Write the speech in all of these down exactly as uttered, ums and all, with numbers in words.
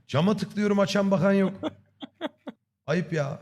Cama tıklıyorum, açan bakan yok. Ayıp ya.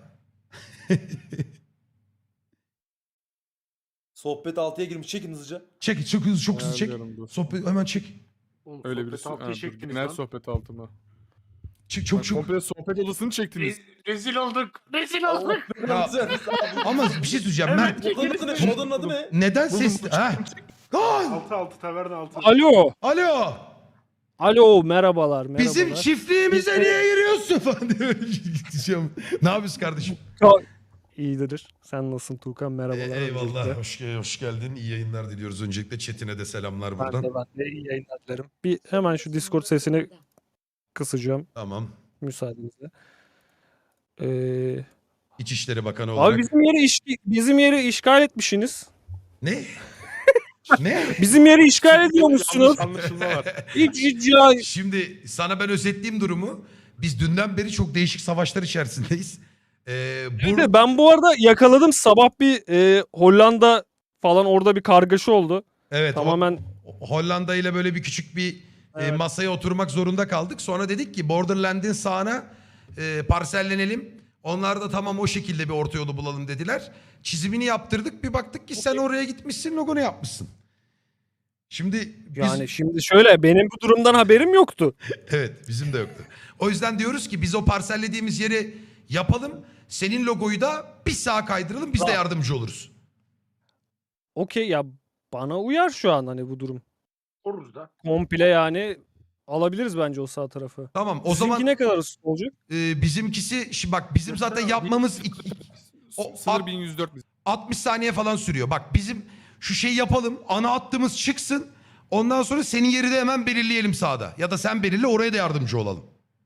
Sohbet altıya girmiş. Çekin hızlıca. Çek, çok hızlı, çok hızlı çek. Ayarlıyorum, dur. Sohbet hemen çek. Oğlum, Öyle sohbet birisi. altıyı Ha, dur, çektiniz genel lan. sohbet altıma. Çık, çok Bak, çok. komple sohbet odasını çektiniz. Re- rezil olduk. Rezil olduk. Ya, ama bir şey söyleyeceğim. Evet, Mert, Odanın adı ne? Odanın adı ne? neden Buldum, ses... bu Ha? Aa! altı altı taverna altı. Alo. Alo. Alo merhabalar. merhabalar. Bizim çiftliğimize niye giriyorsun falan diyor. Gideceğim. Ne yapıyorsun kardeşim? İyidir. Sen nasılsın Tuğkan? Merhabalar. E, eyvallah. öncelikle. Hoş, hoş geldin. İyi yayınlar diliyoruz. Öncelikle chatine de selamlar Ben buradan. de, ben de iyi yayınlar dilerim. Bir hemen şu Discord sesini kısacağım Tamam. müsaadenizle. Ee, İçişleri Bakanı olarak. abi bizim yeri iş, bizim yeri işgal etmişsiniz. Ne? ne? Bizim yeri işgal ediyormuşsunuz. Yanlış anlaşılma var. Hiç hiç ya. Şimdi sana ben özetleyeyim durumu. Biz dünden beri çok değişik savaşlar içerisindeyiz. Ee, Bir bu... de ben bu arada yakaladım sabah bir e, Hollanda falan orada bir kargaşa oldu. Evet. Tamamen Ho- Hollanda ile böyle bir küçük bir e, Evet. masaya oturmak zorunda kaldık. Sonra dedik ki Borderland'in sağına e, parsellenelim. Onlar da tamam o şekilde bir orta yolu bulalım dediler. Çizimini yaptırdık. Bir baktık ki sen oraya gitmişsin, logonu yapmışsın. Şimdi biz... yani şimdi şöyle benim bu durumdan haberim yoktu. Evet, bizim de yoktu. O yüzden diyoruz ki biz o parsellediğimiz yeri yapalım. Senin logoyu da bir sağa kaydıralım. Biz de yardımcı oluruz. Okey ya bana uyar şu an hani bu durum. Koruruz da. Komple yani alabiliriz bence o sağ tarafı. Tamam. O Sizinki zaman ne kadar olacak? e, bizimkisi şimdi bak bizim zaten yapmamız iki- o- Sınır at- bin yüz dört. altmış saniye falan sürüyor. Bak bizim şu şeyi yapalım. Ana hattımız çıksın. Ondan sonra senin yeri de hemen belirleyelim sağda. Ya da sen belirle, oraya da yardımcı olalım.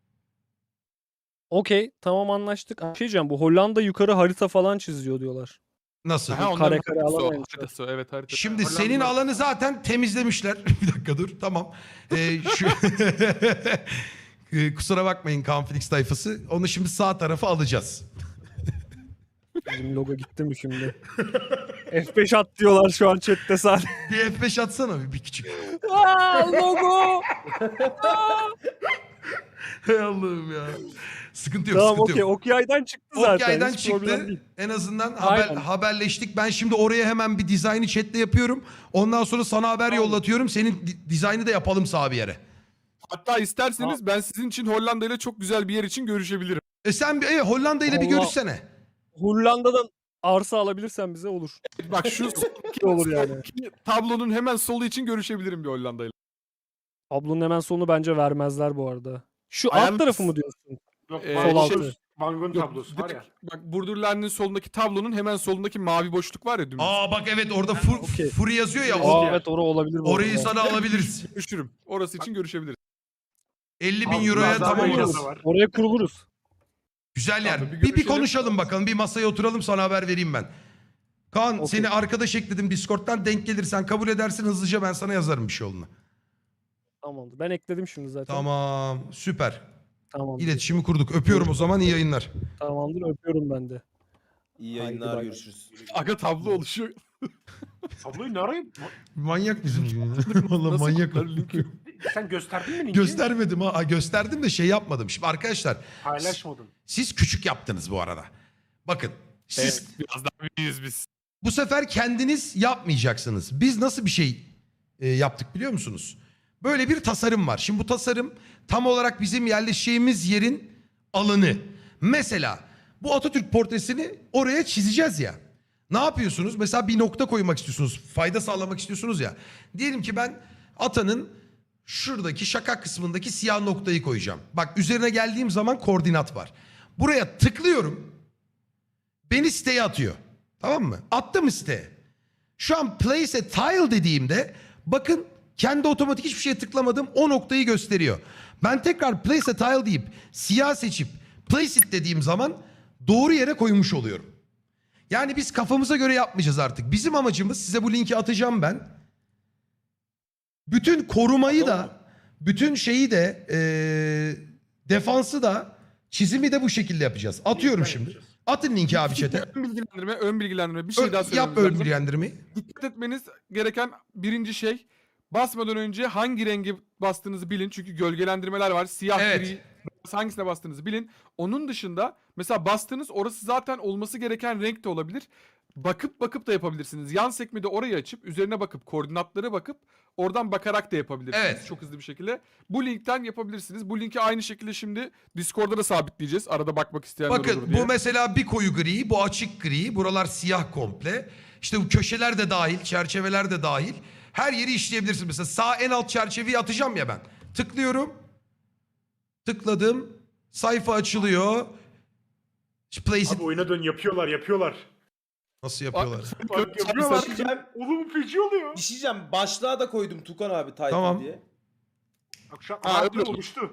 Okey tamam anlaştık. Bir şey diyeceğim bu Hollanda yukarı harita falan çiziyor diyorlar. Nasıl? Ha, kare kare alamayınca. Haritası, evet harita. Şimdi Hollanda- senin alanı zaten temizlemişler. Bir dakika dur. Tamam. Ee, şu... Ee, Kusura bakmayın Kanflix tayfası. Onu şimdi sağ tarafa alacağız. Bizim logo gitti mi şimdi? F beş at diyorlar şu an chatte sadece. Bir F beş atsana bir, bir küçük. Aa, logo. Hay Allah'ım ya. Sıkıntı yok, Tamam sıkıntı okey yok. Okyay'dan çıktı zaten. Okyay'dan hiç problem çıktı. değil. En azından haber, Aynen. haberleştik. Ben şimdi oraya hemen bir dizaynı chatle yapıyorum. Ondan sonra sana haber yollatıyorum. Senin di- dizaynı da yapalım sağ bir yere. Hatta isterseniz ben sizin için Hollanda ile çok güzel bir yer için görüşebilirim. E sen bir e, Hollanda ile bir Allah. görüşsene. Hollanda'dan arsa alabilirsen bize olur. Bak şu soldaki, olur yani. soldaki tablonun hemen solu için görüşebilirim bir Hollanda ile. Tablonun hemen sonunu bence vermezler bu arada. Şu Ayağını- alt tarafı mı diyorsun? Yok, Ee, Van sol Gogh- altı. Van Gogh'un Yok, tablosu var ya. direkt- Bak Borderland'in solundaki tablonun hemen solundaki mavi boşluk var ya dümdüz. Aa bak evet orada fur, okey. Fury yazıyor ya. Aa, O, Aa, evet orası olabilir bu orayı arada. sana alabiliriz. Görüşürüm. Orası için görüşebiliriz. elli bin Abi, euroya biraz daha tamam böyle olur. yazı var. Oraya kuruluruz. Güzel yer. Abi, bir bir, bir görüşelim. konuşalım bakalım. Bir masaya oturalım, sana haber vereyim ben. Kaan Okey. seni arkadaş ekledim Discord'dan, denk gelirsen kabul edersin, hızlıca ben sana yazarım bir şey olduğunu. Tamamdır. Ben ekledim şimdi zaten. Tamam süper. Tamamdır. İletişimi kurduk. Öpüyorum o zaman, iyi yayınlar. Tamamdır öpüyorum ben de. İyi Haydi yayınlar, bay bay. görüşürüz. Aga tablo oluşuyor. Tabloyu ne arayayım? Manyak bizim gibi. Valla Nasıl manyak. kodlar linki? Sen gösterdin mi linki? Göstermedim ha. Ha, gösterdim de şey yapmadım. Şimdi arkadaşlar Paylaşmadın. siz küçük yaptınız bu arada. Bakın siz Evet, biraz daha büyüğüz biz. bu sefer kendiniz yapmayacaksınız. Biz nasıl bir şey e, yaptık biliyor musunuz? Böyle bir tasarım var. Şimdi bu tasarım tam olarak bizim yerleşeceğimiz yerin alanı. Mesela bu Atatürk portresini oraya çizeceğiz ya. Ne yapıyorsunuz? Mesela bir nokta koymak istiyorsunuz. Fayda sağlamak istiyorsunuz ya. Diyelim ki ben atanın şuradaki şakak kısmındaki siyah noktayı koyacağım. Bak üzerine geldiğim zaman koordinat var. Buraya tıklıyorum. Beni siteye atıyor. Tamam mı? Attı mı siteye? Şu an place a tile dediğimde bakın kendi otomatik hiçbir şeye tıklamadım. O noktayı gösteriyor. Ben tekrar place a tile deyip siyah seçip place it dediğim zaman doğru yere koymuş oluyorum. Yani biz kafamıza göre yapmayacağız artık. Bizim amacımız, size bu linki atacağım ben. Bütün korumayı da, bütün şeyi de, eee, defansı da, çizimi de bu şekilde yapacağız. Atıyorum Linki şimdi. yapacağız. Atın linki abi chat'e. Ön bilgilendirme, ön bilgilendirme. Bir şey Ö- daha Yap söylememiz ön lazım. bilgilendirmeyi. Dikkat etmeniz gereken birinci şey, basmadan önce hangi rengi bastığınızı bilin. Çünkü gölgelendirmeler var. Siyah Evet. gri hangisine bastığınızı bilin. Onun dışında mesela bastığınız orası zaten olması gereken renk de olabilir. Bakıp bakıp da yapabilirsiniz. Yan sekmede orayı açıp üzerine bakıp koordinatları bakıp oradan bakarak da yapabilirsiniz. Evet. Çok hızlı bir şekilde. Bu linkten yapabilirsiniz. Bu linki aynı şekilde şimdi Discord'da da sabitleyeceğiz. Arada bakmak isteyenler olur Bakın diye. bu mesela bir koyu gri, bu açık gri. Buralar siyah komple. İşte bu köşeler de dahil, çerçeveler de dahil. Her yeri işleyebilirsiniz. Mesela sağ en alt çerçeveyi atacağım ya ben. Tıklıyorum. Tıkladım. Sayfa açılıyor. Place it. Abi oyuna dön yapıyorlar yapıyorlar. Nasıl yapıyorlar? Bak yapıyorlar. Diyeceğim, Oğlum feci oluyor. bir şey diyeceğim. Başlığa da koydum Tukan abi title Tamam. diye. Akşam Ha, ha, öyle oldu. oluştu.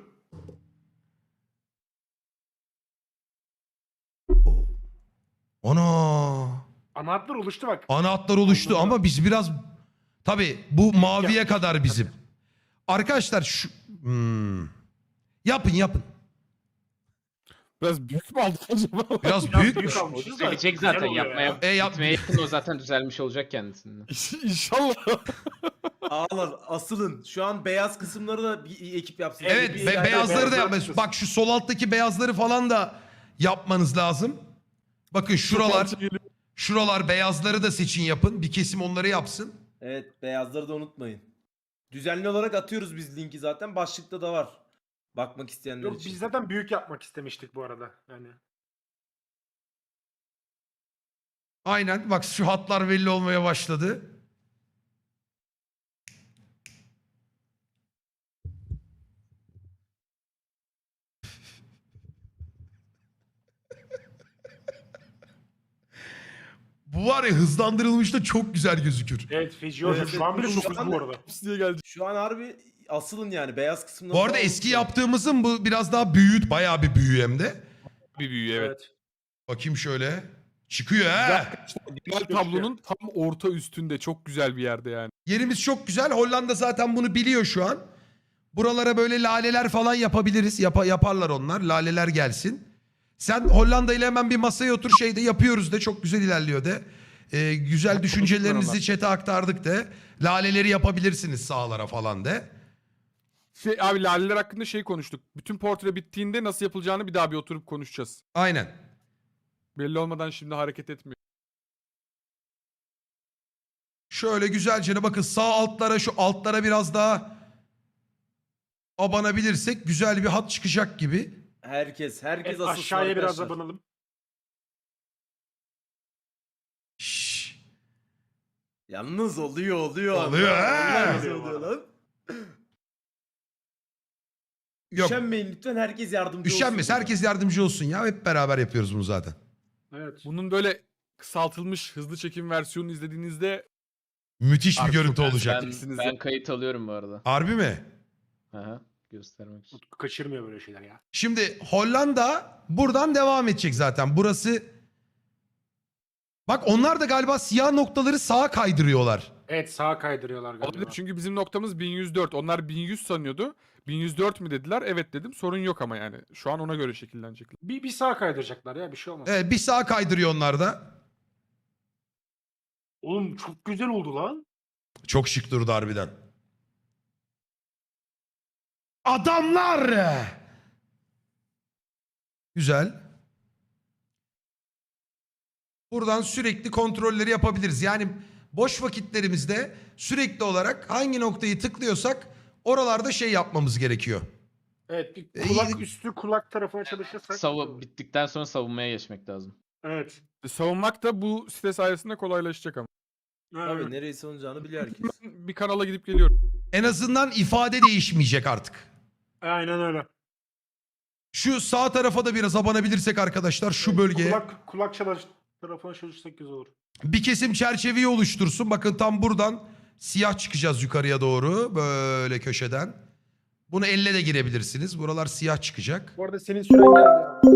Ana. Ana hatlar oluştu bak. Ana hatlar oluştu ama biz biraz... Tabii bu maviye Yap. kadar bizim. Arkadaşlar şu... Hmm. Yapın yapın. Biraz büyük mü aldık acaba? Biraz Biraz büyükmüş. büyük almışız da Düzelecek güzel zaten oluyor yapmaya ya. E, yap- gitmeye yakın o zaten düzelmiş olacak kendisinden. İnşallah. Ağlar asılın. Şu an beyaz kısımları da bir ekip yapsın. Evet Bir- be- bir- beyazları da beyazlar yapmanız. kısmı. Bak şu sol alttaki beyazları falan da yapmanız lazım. Bakın şuralar, şuralar beyazları da seçin yapın. Bir kesim onları yapsın. Evet beyazları da unutmayın. Düzenli olarak atıyoruz biz linki zaten. Başlıkta da var. Bakmak isteyenler Yok, için. biz zaten büyük yapmak istemiştik bu arada. Yani Aynen bak şu hatlar belli olmaya başladı. Bu var ya hızlandırılmış da çok güzel gözükür. evet feci oluyor. Evet, Şu an bile şu çok hızlı anda- bu arada. diye geldi. Şu an harbi asılın yani beyaz kısmında. Bu arada eski yaptığımızın bu biraz daha büyüğü, bayağı bir büyüğü hem de. Bir büyüğü evet. Evet. Bakayım şöyle. Çıkıyor ha. Genel tablonun tam orta üstünde çok güzel bir yerde yani. Yerimiz çok güzel. Hollanda zaten bunu biliyor şu an. Buralara böyle laleler falan yapabiliriz. Yapa, yaparlar onlar. Laleler gelsin. Sen Hollanda ile hemen bir masaya otur şeyde yapıyoruz de. Çok güzel ilerliyor de. Ee, güzel düşüncelerinizi chat'e aktardık de. Laleleri yapabilirsiniz sağlara falan de. Şey, abi laleler hakkında şey konuştuk. Bütün portre bittiğinde nasıl yapılacağını bir daha bir oturup konuşacağız. Aynen. Belli olmadan şimdi hareket etmiyor. Şöyle güzelce bakın sağ altlara şu altlara biraz daha abanabilirsek güzel bir hat çıkacak gibi. Herkes, herkes Evet, asılsın aşağıya biraz arkadaşlar. abanalım. Şşş. Yalnız oluyor oluyor. Oluyor, he. Yalnız Oluyor oluyor valla. lan. Yok. Üşenmeyin lütfen herkes yardımcı Üşenmez. olsun. Herkes yardımcı olsun ya. Hep beraber yapıyoruz bunu zaten. Evet. Bunun böyle kısaltılmış hızlı çekim versiyonunu izlediğinizde Müthiş bir Artık görüntü çok olacak. Ben, Eksiniz ben ya. kayıt alıyorum bu arada. Harbi mi? Aha, göstermek için. Utku kaçırmıyor böyle şeyler ya. Şimdi Hollanda buradan devam edecek zaten. Burası... Bak onlar da galiba siyah noktaları sağa kaydırıyorlar. Evet sağa kaydırıyorlar olabilir galiba. çünkü bizim noktamız bin yüz dört. Onlar bin yüz sanıyordu. bin yüz dört mi dediler? Evet dedim. Sorun yok ama yani. Şu an ona göre şekillenecekler. Bir, bir sağa kaydıracaklar ya bir şey olmaz. Evet, bir sağa kaydırıyor onlar da. Oğlum çok güzel oldu lan. Çok şık durdu harbiden. Adamlar! Güzel. Buradan sürekli kontrolleri yapabiliriz. Yani boş vakitlerimizde sürekli olarak hangi noktayı tıklıyorsak oralarda şey yapmamız gerekiyor. Evet bir İyi. kulak üstü kulak tarafına çalışırsak. Savu bittikten sonra savunmaya geçmek lazım. Evet. E, Savunmak da bu site sayesinde kolaylaşacak ama. Tabii Evet. nereye savunacağını biliyor herkes. Bir kanala gidip geliyorum. En azından ifade değişmeyecek artık. Aynen öyle. Şu sağ tarafa da biraz abanabilirsek arkadaşlar şu bölgeye. Kulak, kulak çalış tarafına çalışırsak güzel olur. Bir kesim çerçeveyi oluştursun. Bakın tam buradan siyah çıkacağız yukarıya doğru. Böyle köşeden. Bunu elle de girebilirsiniz. Buralar siyah çıkacak. Bu arada senin süren geldi.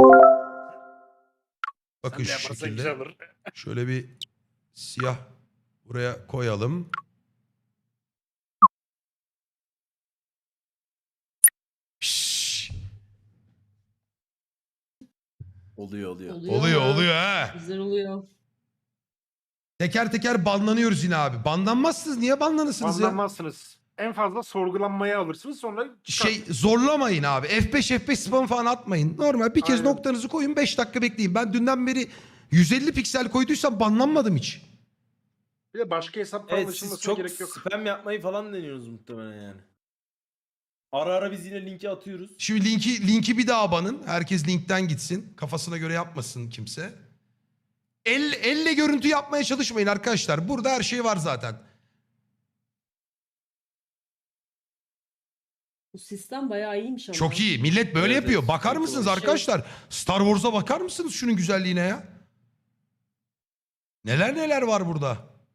Bakın Sen de şu yaparsan şekilde. güzel olur. Şöyle bir siyah buraya koyalım. Şşş. Oluyor oluyor. Oluyor oluyor ha. Güzel oluyor. Teker teker banlanıyoruz yine abi. Banlanmazsınız. Niye banlanırsınız ya? Banlanmazsınız. En fazla sorgulanmaya alırsınız sonra çıkar. Şey zorlamayın abi. F beş F beş spam falan atmayın. Normal bir kez Aynen. noktanızı koyun beş dakika bekleyin. Ben dünden beri yüz elli piksel koyduysam banlanmadım hiç. Bir de başka hesap falan Evet siz açılmasına çok gerek yok. spam yapmayı falan deniyorsunuz muhtemelen yani. Ara ara biz yine linki atıyoruz. Şimdi linki linki bir daha banın. Herkes linkten gitsin. Kafasına göre yapmasın kimse. El, elle görüntü yapmaya çalışmayın arkadaşlar. Burada her şey var zaten. Bu sistem bayağı iyiymiş ama. Çok iyi. Millet böyle Evet, yapıyor. evet. Bakar Çok mısınız iyi. arkadaşlar? Star Wars'a bakar mısınız şunun güzelliğine ya? Neler neler var burada.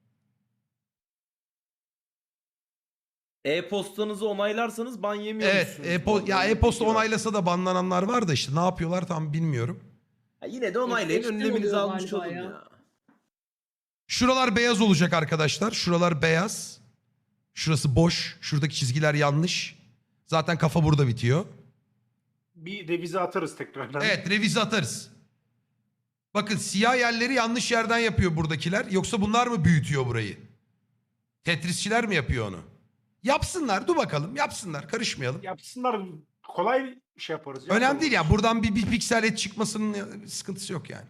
E-postanızı onaylarsanız ban yemiyor Evet. musunuz? E Bu arada ya öyle bir e-posta bilgi var. onaylasa da banlananlar var da işte ne yapıyorlar tam bilmiyorum. Ha, yine de onaylayın. F beşten Önleminizi oluyor almış galiba olun ya. ya. Şuralar beyaz olacak arkadaşlar. Şuralar beyaz. Şurası boş. Şuradaki çizgiler yanlış. Zaten kafa burada bitiyor. Bir revize atarız tekrardan. Evet, revize atarız. Bakın siyah yerleri yanlış yerden yapıyor buradakiler. Yoksa bunlar mı büyütüyor burayı? Tetrisçiler mi yapıyor onu? Yapsınlar, dur bakalım. Yapsınlar, karışmayalım. Yapsınlar, kolay şey yaparız. ya. Önemli değil ya. Buradan bir, bir piksel et çıkmasının sıkıntısı yok yani.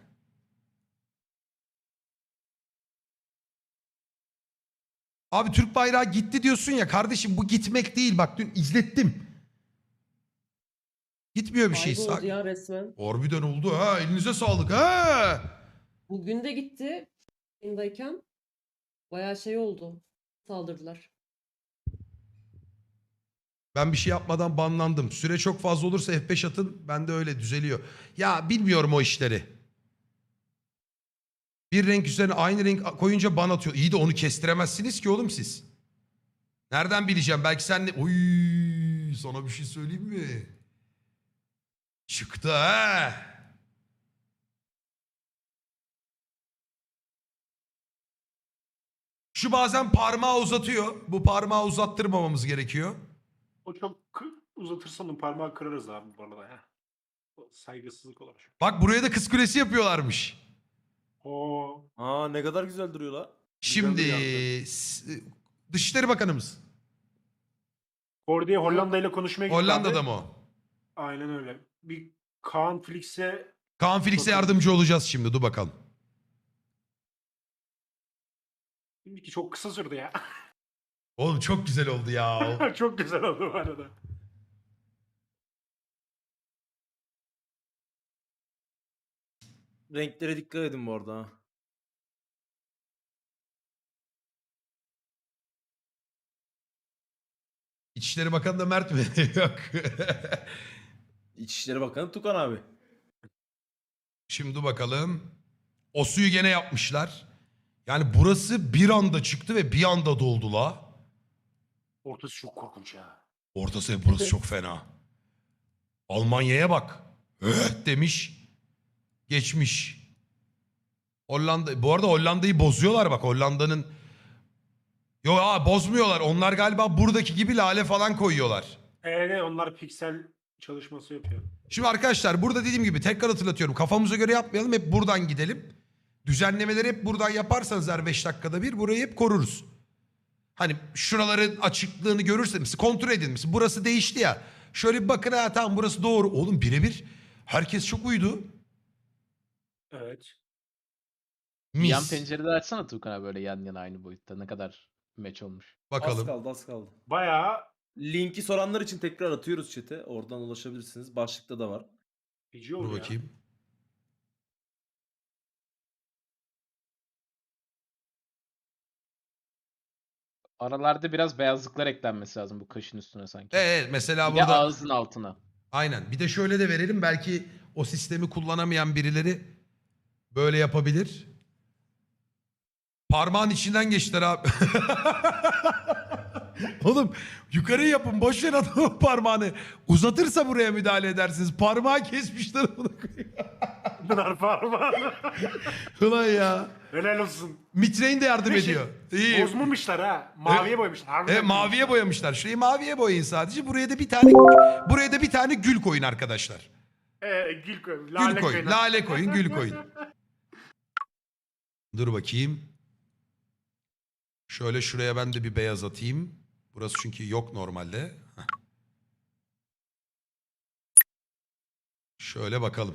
Abi Türk bayrağı gitti diyorsun ya kardeşim, bu gitmek değil, bak dün izlettim. Gitmiyor bir şey. Kayboldu Sa- ya resmen. Harbiden oldu ha, elinize sağlık ha. Bugün de gitti. Yayındayken bayağı şey oldu. Saldırdılar. Ben bir şey yapmadan banlandım. Süre çok fazla olursa F beş atın, ben de öyle düzeliyor. Ya bilmiyorum o işleri. Bir renk üzerine aynı renk koyunca ban atıyor. İyi de onu kestiremezsiniz ki oğlum siz. Nereden bileceğim? Belki sen de... Oy, sana bir şey söyleyeyim mi? Çıktı ha. Şu bazen parmağı uzatıyor. Bu parmağı uzattırmamamız gerekiyor. O çok kı- uzatırsan o parmağı kırarız abi bu arada ya. O saygısızlık olur. Bak buraya da kız kulesi yapıyorlarmış. Oo. Aa ne kadar güzel duruyor la. Şimdi Güzel s- Dışişleri Bakanımız. Kordi'ye Hollanda ile konuşmaya gitti Hollanda'da abi. mı o? Aynen öyle. Bir Kaan Flix'e Kaan Felix'e Bakalım. yardımcı olacağız şimdi. Dur bakalım. ki çok kısa sürdü ya. Oğlum çok güzel oldu ya. Çok güzel oldu bu arada. Renklere dikkat edin bu arada. ha. İçişleri Bakanı da Mert mi? Yok. İçişleri Bakanı Tukan abi. Şimdi dur bakalım. O suyu gene yapmışlar. Yani burası bir anda çıktı ve bir anda doldu la. Ortası çok korkunç ya. Ortası burası çok fena. Almanya'ya bak. Evet demiş. Geçmiş. Hollanda. Bu arada Hollanda'yı bozuyorlar bak. Hollanda'nın... Yok ha bozmuyorlar. Onlar galiba buradaki gibi lale falan koyuyorlar. Evet onlar piksel çalışması yapıyor. Şimdi arkadaşlar burada dediğim gibi tekrar hatırlatıyorum. Kafamıza göre yapmayalım. Hep buradan gidelim. Düzenlemeleri hep buradan yaparsanız her beş dakikada bir burayı hep koruruz. Hani şuraların açıklığını görürseniz kontrol edin. Mesela burası değişti ya. Şöyle bir bakın ha tamam burası doğru. Oğlum birebir herkes çok uydu. Evet. Mis. Yan pencerede açsana Tuğkan abi böyle yan yana aynı boyutta. Ne kadar match olmuş. Az Bakalım. kaldı az kaldı. Bayağı Linki soranlar için tekrar atıyoruz chat'e. Oradan ulaşabilirsiniz. Başlıkta da var. feci Dur oldu ya. bakayım. Aralarda biraz beyazlıklar eklenmesi lazım bu kaşın üstüne sanki. Evet mesela Bir de burada ağzın altına. aynen. Bir de şöyle de verelim belki o sistemi kullanamayan birileri böyle yapabilir. Parmağın içinden geçtiler abi. Oğlum yukarı yapın boş ver adamın parmağını. Uzatırsa buraya müdahale edersiniz. Parmağı kesmişler bunu. Bunlar parmağını. Ulan ya. Helal olsun. Mitrein de yardım Bir şey- ediyor. İyi. Bozmamışlar ha. Maviye boyamışlar. Harbiden Evet, maviye boyamışlar. boyamışlar. Şurayı maviye boyayın sadece. Buraya da bir tane buraya da bir tane gül koyun arkadaşlar. Ee, gül koyun. Lale Gül koyun. koyun. Lale koyun, gül koyun. Dur bakayım. Şöyle şuraya ben de bir beyaz atayım. Burası çünkü yok normalde. Heh. Şöyle bakalım.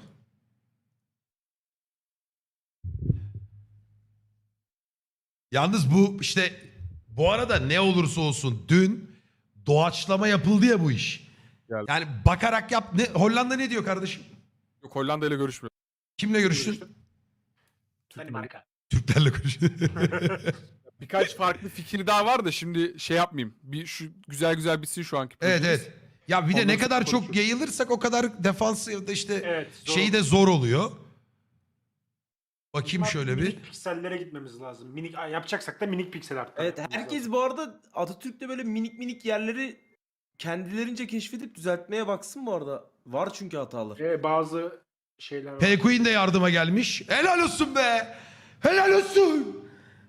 Yalnız bu işte bu arada ne olursa olsun dün doğaçlama yapıldı ya bu iş. Geldi. Yani bakarak yap. Ne, Hollanda ne diyor kardeşim? Yok, Hollanda ile görüşmüyor. Kimle görüştün? Danimarka. Türklerle görüştün. Birkaç farklı fikir daha var da şimdi şey yapmayayım. Bir şu güzel güzel bitsin şu anki Evet projemiz. evet. Ya bir de Ondan ne sonra kadar çok konuşuruz. yayılırsak o kadar defans ya da işte Evet. zor. şeyi de zor oluyor. Bakayım Ama şöyle bir. Minik piksellere gitmemiz lazım. Minik Aa, yapacaksak da minik piksel artık. Evet herkes bu arada Atatürk'te böyle minik minik yerleri kendilerince keşfedip düzeltmeye baksın bu arada. Var çünkü hatalar. Ve bazı şeyler var. P-Queen de yardıma gelmiş. Helal olsun be. Helal olsun.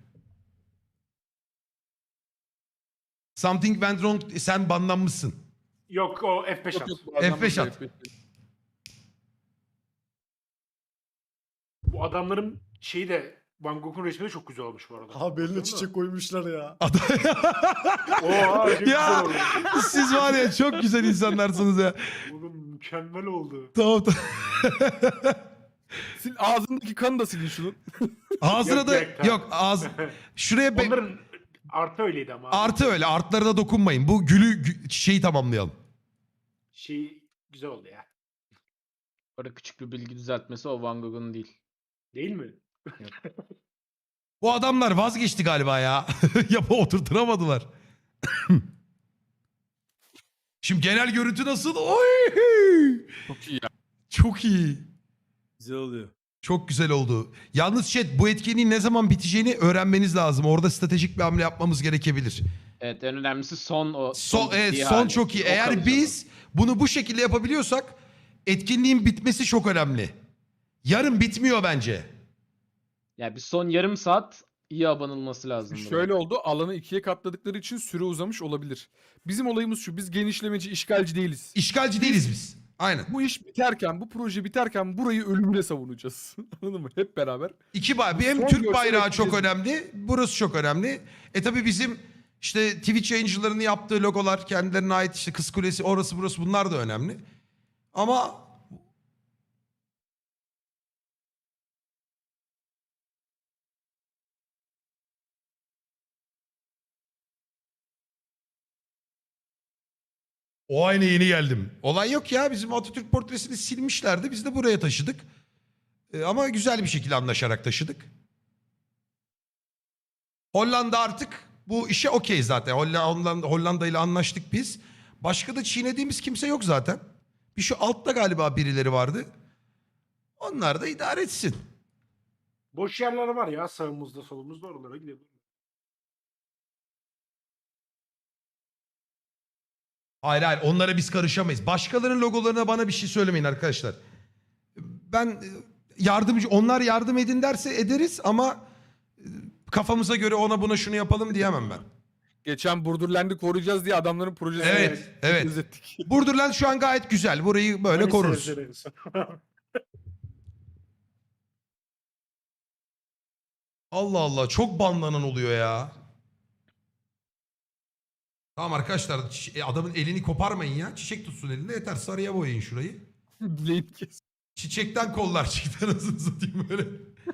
Something went wrong. Sen banlanmışsın. Yok o F beş Yok, at. yok, bu adam F beş burada at. F beş. Bu adamların şeyi de Van Gogh'un resmi de çok güzel olmuş bu arada. Abi eline Baksana. çiçek koymuşlar ya. Oha çok güzel Ya oldu. siz var ya çok güzel insanlarsınız ya. Oğlum mükemmel oldu. Tamam tamam. Sil ağzındaki kanı da silin şunun. Ağzına Yok, da yok, tamam. yok ağız. Şuraya be- Onların artı öyleydi ama. abi. artı öyle artlarına dokunmayın. Bu gülü gü- çiçeği tamamlayalım. Şey güzel oldu ya. Orada küçük bir bilgi düzeltmesi, o Van Gogh'un değil. Değil mi? Bu adamlar vazgeçti galiba ya. Yapı oturtturamadılar. Şimdi genel görüntü nasıl? Oy! Çok iyi ya. Çok iyi. Güzel oluyor. Çok güzel oldu. Yalnız chat bu etkinliğin ne zaman biteceğini öğrenmeniz lazım. Orada stratejik bir hamle yapmamız gerekebilir. Evet, en önemlisi son o. Son, evet, bittiği son hali. çok iyi. O Eğer kalıcı biz bunu bu şekilde yapabiliyorsak etkinliğin bitmesi çok önemli. Yarın bitmiyor bence. olan. Yani bir son yarım saat iyi abanılması lazım. buna. Şöyle oldu. Alanı ikiye katladıkları için süre uzamış olabilir. Bizim olayımız şu. Biz genişlemeci, işgalci değiliz. İşgalci değiliz biz. Aynen. Bu iş biterken, bu proje biterken burayı ölümüne savunacağız. Anladın mı? Hep beraber. İki bay hem Son Türk görsel bayrağı çok ekleyeceğiz. önemli. Burası çok önemli. E tabi bizim işte Twitch yayıncılarının yaptığı logolar, kendilerine ait işte Kız Kulesi, orası burası bunlar da önemli. Ama o aynı yeni geldim. Olay yok ya, bizim Atatürk portresini silmişlerdi. Biz de buraya taşıdık. E, ama güzel bir şekilde anlaşarak taşıdık. Hollanda artık bu işe okey zaten. Hollanda, Hollanda ile anlaştık biz. Başka da çiğnediğimiz kimse yok zaten. Bir şu altta galiba birileri vardı. Onlar da idare etsin. Boş yerler var ya sağımızda solumuzda oralara gidelim. Hayır hayır, onlara biz karışamayız. Başkalarının logolarına bana bir şey söylemeyin arkadaşlar. Ben e, yardımcı, onlar yardım edin derse ederiz ama e, kafamıza göre ona buna şunu yapalım diyemem ben. Geçen Burdurland'ı koruyacağız diye adamların projesini Evet, evet. izlettik. Burdurland şu an gayet güzel. Burayı böyle Hani koruruz. sevdiriz. Allah Allah, çok banlanan oluyor ya. Tamam arkadaşlar, çi- e, adamın elini koparmayın ya. Çiçek tutsun elinde yeter. Sarıya boyayın şurayı. Dileğini kes. Çiçekten kollar çıktı anasını satayım böyle.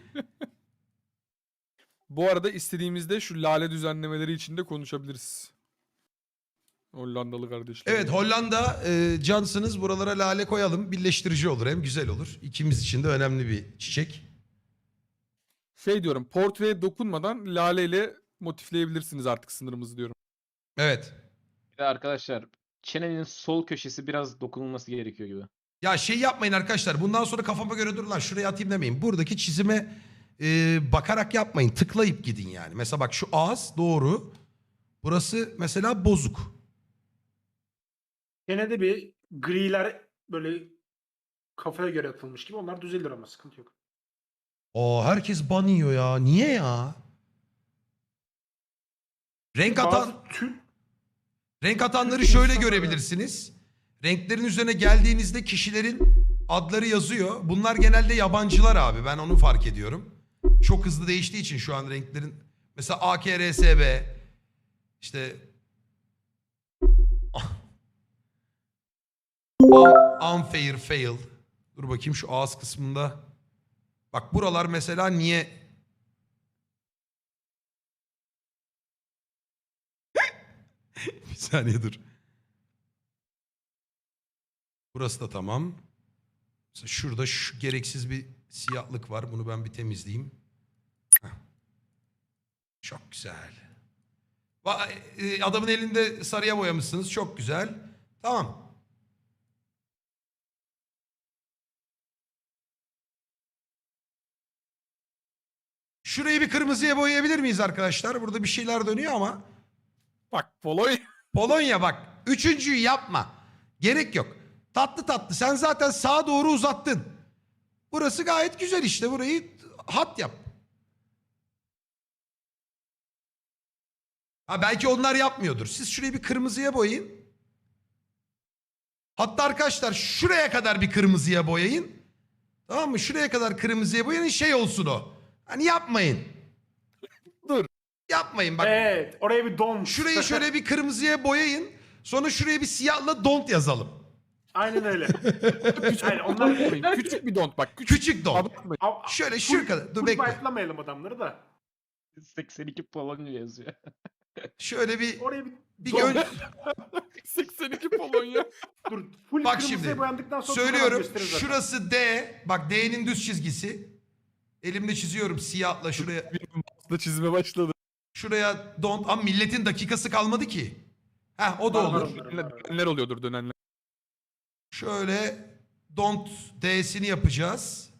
Bu arada istediğimizde şu lale düzenlemeleri için de konuşabiliriz. Hollandalı kardeşler. Evet, Hollanda e, cansınız, buralara lale koyalım. Birleştirici olur, hem güzel olur. İkimiz için de önemli bir çiçek. Şey diyorum, portreye dokunmadan laleyle motifleyebilirsiniz artık sınırımızı diyorum. Evet. Bir de arkadaşlar, çenenin sol köşesi biraz dokunulması gerekiyor gibi. Ya şey yapmayın arkadaşlar. Bundan sonra kafama göre dur lan şuraya atayım demeyin. Buradaki çizime e, bakarak yapmayın. Tıklayıp gidin yani. Mesela bak şu ağız doğru. Burası mesela bozuk. Gene de bir griler böyle kafaya göre atılmış gibi onlar düzelir ama sıkıntı yok. Aa, herkes ban yiyor ya. Niye ya? Renk atan, Bazı tür renk atanları Türk şöyle insanları- görebilirsiniz. Renklerin üzerine geldiğinizde kişilerin adları yazıyor. Bunlar genelde yabancılar abi. Ben onu fark ediyorum. Çok hızlı değiştiği için şu an renklerin. Mesela A K R S B, işte Un- unfair fail. Dur bakayım şu ağız kısmında. Bak buralar mesela niye... Bir saniye dur. Burası da tamam. Mesela şurada şu gereksiz bir siyahlık var. Bunu ben bir temizleyeyim. Heh. Çok güzel. Va- e, Adamın elinde sarıya boyamışsınız. Çok güzel. Tamam. Şurayı bir kırmızıya boyayabilir miyiz arkadaşlar? Burada bir şeyler dönüyor ama. Bak Polonya. Polonya bak. Üçüncüyü yapma. Gerek yok. Tatlı tatlı. Sen zaten sağa doğru uzattın. Burası gayet güzel işte. Burayı hat yap. Ha belki onlar yapmıyordur. Siz şurayı bir kırmızıya boyayın. Hatta arkadaşlar şuraya kadar bir kırmızıya boyayın. Tamam mı? Şuraya kadar kırmızıya boyayın. Şey olsun o. Hani yapmayın. Dur. Yapmayın bak. Evet, oraya bir don. Şurayı şöyle bir kırmızıya boyayın. Sonra şuraya bir siyahla don't yazalım. Aynen öyle. Küçük, Yani onlar küçük bir don't bak. Küçük. Küçük don't. Abartmayın. Ab- Şöyle şu kadar. Dur bekle. bayatlamayalım adamları da. seksen iki Polonya yazıyor. Şöyle bir Oraya bir, bir don. gön... seksen iki Polonya. Dur. Full Bak kırmızıya şimdi, boyandıktan sonra söylüyorum. gösterir zaten. Şurası D. Bak D'nin düz çizgisi. Elimde çiziyorum siyahla şuraya. Da çizime başladı. Şuraya don't. Ama milletin dakikası kalmadı ki. Heh o da Var, var, olur. var. Dönenler oluyordur dönenler. Şöyle don't D'sini yapacağız.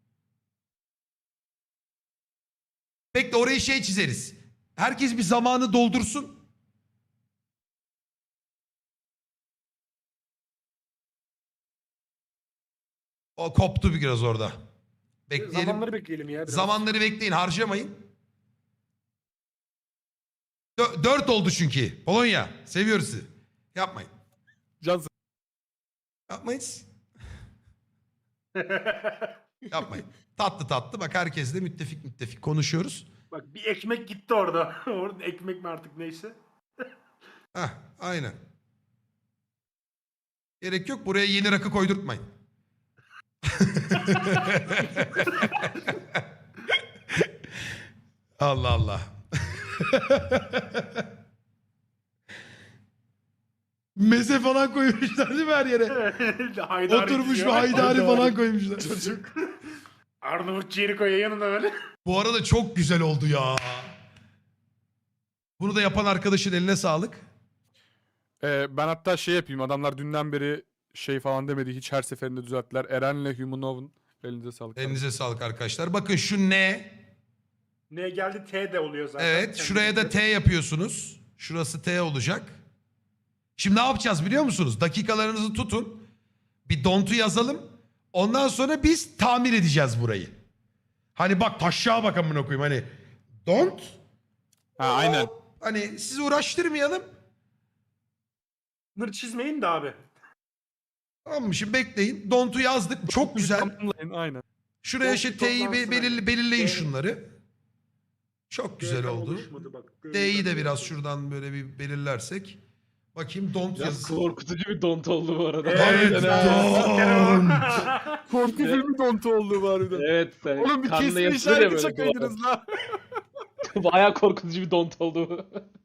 Bekle orayı şey çizeriz. Herkes bir zamanı doldursun. O koptu biraz orada. Bekleyelim. Zamanları bekleyelim ya. Biraz. Zamanları bekleyin, harcamayın. Dö- dört oldu çünkü. Polonya, seviyoruz sizi. Yapmayın. Can Yapmayın. Yapmayın. Tatlı tatlı. Bak herkesle müttefik müttefik konuşuyoruz. Bak bir ekmek gitti orada. Orada ekmek mi artık neyse. Heh, aynen. Gerek yok. Buraya yeni rakı koydurtmayın. Allah Allah. Meze falan koymuşlar değil mi her yere? Haydari Oturmuş diyor. bir haydari falan koymuşlar. Çocuk. Arnavut ciğeri koyuyor yanına böyle. Bu arada çok güzel oldu ya. Bunu da yapan arkadaşın eline sağlık. Ee, ben hatta şey yapayım. Adamlar dünden beri şey falan demedi. Hiç her seferinde düzelttiler. Eren'le Humanov'un elinize sağlık. Elinize sağlık arkadaşlar. Bakın şu ne? Neye geldi T de oluyor zaten. Evet, şuraya da T yapıyorsunuz. Şurası T olacak. Şimdi ne yapacağız biliyor musunuz? Dakikalarınızı tutun. Bir don't'u yazalım. Ondan sonra biz tamir edeceğiz burayı. Hani bak taşağa bak amına koyayım hani. Don't. Ha aynen. Hani sizi uğraştırmayalım. Bunları çizmeyin de abi. Tamam mı? Şimdi bekleyin. Don't'u yazdık. Çok güzel. Tamamlayın, aynen. Şuraya Don't şey T'yi be- belir- belirleyin şunları. Çok güzel Tam oldu. oluşmadı bak. D'yi de biraz şuradan böyle bir belirlersek. Bakayım don't Biraz yazısı. korkutucu bir don't oldu bu arada. Evet, don't. Korku filmi dontu oldu bari de. Evet. sen Oğlum bir kanla kesin yapılır ya işaret böyle şakaydınız lan. bu. Bayağı korkutucu bir don't oldu bu.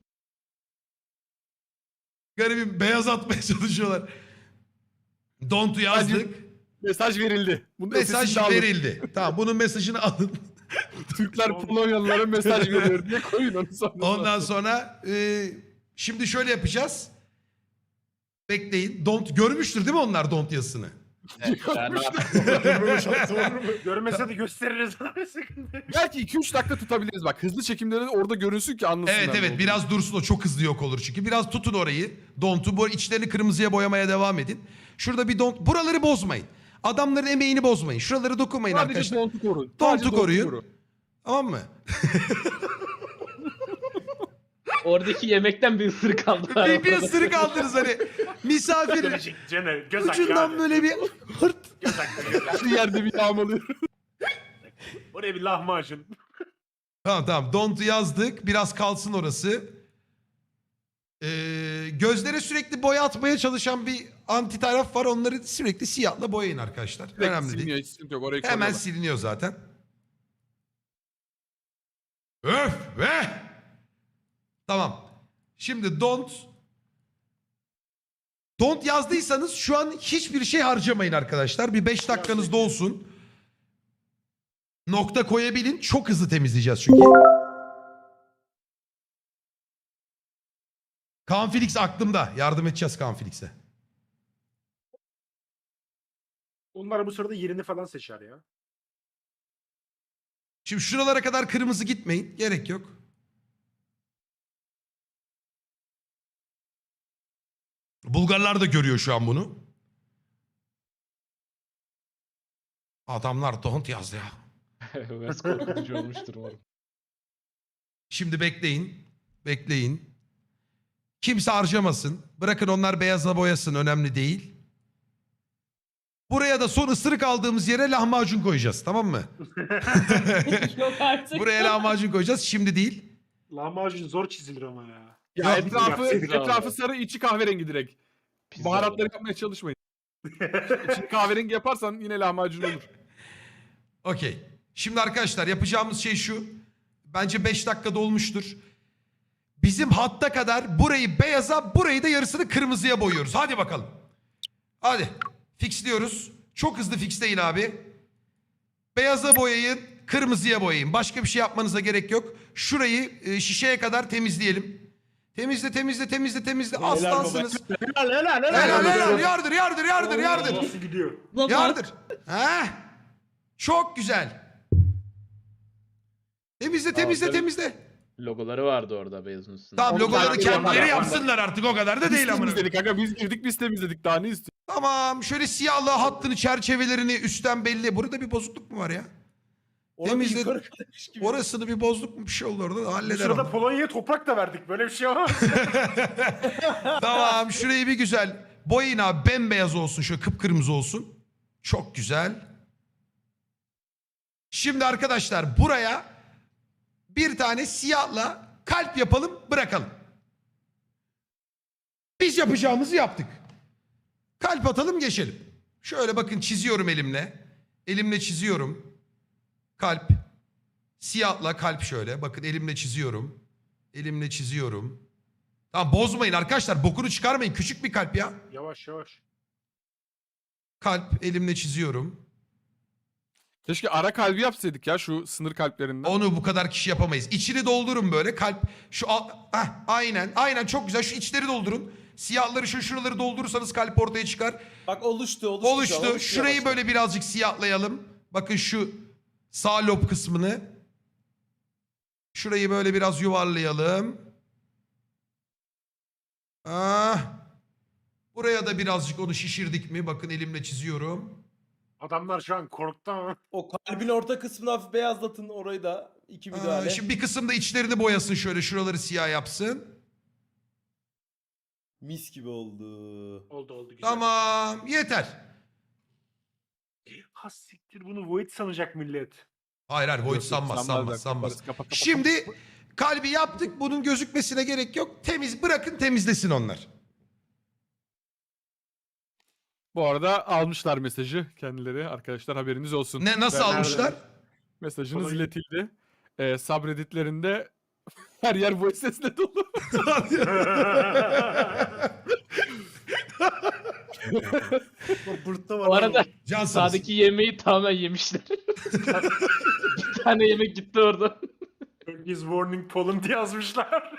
Garibim beyaz atmaya çalışıyorlar. Don't'u yazdık. Mesaj verildi. Bunun Mesaj ötesini de alın. verildi. Tamam bunun mesajını alın. Türkler Polonyalılara mesaj veriyor diye koyun onu sonra. Ondan sonra e, şimdi şöyle yapacağız. Bekleyin. Don't görmüştür değil mi onlar don't yazısını? Yani Görmese de gösteririz abi sıkıntı. Belki iki üç dakika tutabiliriz bak. Hızlı çekimde de orada görünsün ki anlasınlar. Evet ne evet olduğunu. biraz dursun o çok hızlı yok olur çünkü. Biraz tutun orayı. Don't'u bu içlerini kırmızıya boyamaya devam edin. Şurada bir don't. Buraları bozmayın. Adamların emeğini bozmayın. Şuraları dokunmayın Sadece arkadaşlar. dontu korun. Don'tu Sadece dontu koruyun. koru. Tamam mı? oradaki yemekten bir ısırık aldılar. bir, bir ısırık aldınız hani. Misafir Caner göz hakkı ucundan abi. böyle bir hırt. Göz hakkı göz hakkı. Şu yerde bir yağmalıyor. Oraya bir lahmacun. Tamam tamam. Don't'u yazdık. Biraz kalsın orası. Ee, Ee, gözlere sürekli boya atmaya çalışan bir anti taraf var. Onları sürekli siyahla boyayın arkadaşlar. Direkt Önemli siliniyor, değil. hiç sıkıntı yok. Orayı Hemen koruyorlar. siliniyor zaten. Öf be! Tamam. Şimdi don't don't yazdıysanız şu an hiçbir şey harcamayın arkadaşlar. Bir beş dakikanızda olsun. Nokta koyabilin. Çok hızlı temizleyeceğiz çünkü. Kaan Felix aklımda. Yardım edeceğiz Kaan Felix'e. Onlar bu sırada yerini falan seçer ya. Şimdi şuralara kadar kırmızı gitmeyin. Gerek yok. Bulgarlar da görüyor şu an bunu. Adamlar don't yazdı ya. Biraz korkutucu olmuştur umarım. Şimdi bekleyin. Bekleyin. Kimse harcamasın. Bırakın onlar beyaza boyasın. Önemli değil. Buraya da son ısırık aldığımız yere lahmacun koyacağız. Tamam mı? Yok artık. Buraya lahmacun koyacağız. Şimdi değil. Lahmacun zor çizilir ama ya. Ya Ya, etrafı, yapsaydık abi. etrafı sarı, içi kahverengi direkt. Pizza Baharatları olur. yapmaya çalışmayın. İçini kahverengi yaparsan yine lahmacun olur. Okey. Şimdi arkadaşlar yapacağımız şey şu. Bence beş dakikada olmuştur. Bizim hatta kadar burayı beyaza, burayı da yarısını kırmızıya boyuyoruz. Hadi bakalım. Hadi. Fixliyoruz. Çok hızlı fixleyin abi. Beyaza boyayın, kırmızıya boyayın. Başka bir şey yapmanıza gerek yok. Şurayı e, şişeye kadar temizleyelim. Temizle, temizle, temizle, temizle. Helal Aslansınız. Helal helal helal. Helal helal. Yardır, yardır, yardır, yardır. Nasıl gidiyor? Baba, Yardır. Heh. Çok güzel. Temizle, temizle, Aferin. temizle. Logoları vardı orada beyazın üstünde. Tamam Onu logoları takip kendileri yaparlar. yapsınlar artık o kadar da Biz değil amına. temizledik aga, biz girdik biz temizledik, daha ne istiyorsun? Tamam şöyle siyahlı hattını çerçevelerini üstten belli. Burada bir bozukluk mu var ya? Orada Temizle- yukarı kadarmış gibi. Orasını bir bozduk mu bir şey oldu orada Bu halleder sırada onu. Polonya'ya toprak da verdik. Böyle bir şey var. Tamam şurayı bir güzel boyayın abi, bembeyaz olsun, şöyle kıpkırmızı olsun. Çok güzel. Şimdi arkadaşlar buraya bir tane siyahla kalp yapalım, bırakalım. Biz yapacağımızı yaptık. Kalp atalım, geçelim. Şöyle bakın çiziyorum elimle. Elimle çiziyorum. Kalp. Siyahla kalp şöyle. Bakın elimle çiziyorum. Elimle çiziyorum. Tamam bozmayın arkadaşlar. Bokunu çıkarmayın. Küçük bir kalp ya. Yavaş yavaş. Kalp elimle çiziyorum. Keşke ara kalbi yapsaydık ya şu sınır kalplerinden. Onu bu kadar kişi yapamayız. İçini doldurun böyle. Kalp şu al- Heh, aynen. Aynen çok güzel. Şu içleri doldurun. Siyahları şu şuraları doldurursanız kalp ortaya çıkar. Bak oluştu oluştu. şu an, Oluştu. oluştu Şurayı yavaştan. böyle birazcık siyahlayalım. Bakın şu sağ lob kısmını. Şurayı böyle biraz yuvarlayalım. Ah. Buraya da birazcık onu şişirdik mi? Bakın elimle çiziyorum. Adamlar şu an korktu ama. O kalbin orta kısmını hafif beyazlatın, orayı da iki Aa, müdahale. şimdi bir kısım da içlerini boyasın şöyle. Şuraları siyah yapsın. Mis gibi oldu. Oldu oldu güzel. Tamam. Yeter. Ha siktir, bunu Void sanacak millet. Hayır hayır. Void Yok, yok, sanmaz sanmaz da, sanmaz. kaparız, kapa, kapa, Şimdi kalbi yaptık. Bunun gözükmesine gerek yok. Temiz bırakın, temizlesin onlar. Bu arada almışlar mesajı kendileri, arkadaşlar haberiniz olsun. Ne nasıl Ben- almışlar? Mesajınız Kolay- iletildi. Ee, subredditlerinde her yer bu sesle dolu. O bırtta var. Bu arada Cansınız. sağdaki yemeği tamamen yemişler. Bir tane yemek gitti orada. Turkey's Warning Poland yazmışlar.